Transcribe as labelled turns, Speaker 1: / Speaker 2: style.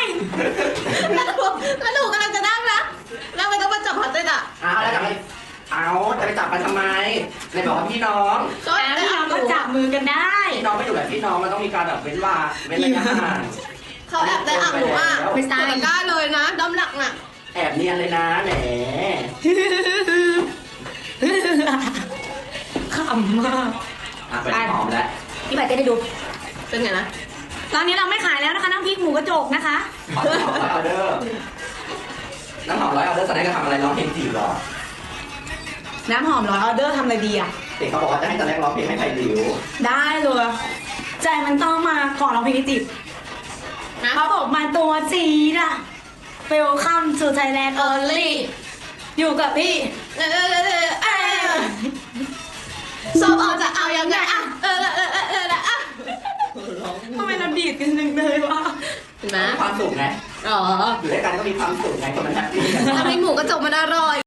Speaker 1: แล้วหนูกำลังจะนั่งนะแล้วไม่ต้องมาจับพัดเลยอ่ะ
Speaker 2: เอาแล้วจะไปจะไปจับมันทำไมในบอกว่าพี่น้อง
Speaker 1: ก็
Speaker 3: แล้ว
Speaker 1: ได้
Speaker 3: เรา
Speaker 1: อ่ะ
Speaker 3: ก็จับมือกันได้
Speaker 2: พี่น้องไม่อยู่แบบพี่น้องมันต้องมีการแบบเว้นระยะห่าง
Speaker 1: เขาแอบได้อ่ะหนูอ่ะไม่ตายกล้าเลยนะด้อมหลักน่ะ
Speaker 2: แอบเนียนเลยนะแหม
Speaker 3: ขำมาก
Speaker 2: เป็นหอมแล้ว
Speaker 3: พี่ใบเต้ได้ดู
Speaker 1: เป็นไงนะ
Speaker 3: ตอนนี้เราไม่ขายแล้วนะคะน้ำพริกหมูกระจกนะคะ
Speaker 2: น้ำหอมร้อยออเดอร์น้ำหอมร้อยออเดอร์แสดงจะทำอะไรร้องเพลงจีบหรอ
Speaker 3: น้ำหอมร้อยออเดอร์ทำอะไรดีอ่ะ
Speaker 2: เด็กเขาบอกว่าจะให้แสดงร้องเพลงให้ไผ่ดิว
Speaker 3: ได้เลยใจมันต้องมาก่อนเราเพลงจีบ
Speaker 1: นะ
Speaker 3: เขาบอกมาตัวจีดอะเวลคัมสู่ไทยแลนด์เออร์ลี่อยู่กับพี่
Speaker 1: สอบออกจะเอายังไงอ่ะอ่ะ
Speaker 3: ทำไมเราดีดกันหนึ่งเลยวะ
Speaker 1: เห็นไหม
Speaker 2: มีความสุขไง
Speaker 1: อ๋อ
Speaker 2: อยู่ด้วยกันก็มีความสุขไงคนมันแฮปปี้กัน
Speaker 1: ทำให้หมูกระจกมันอร่อย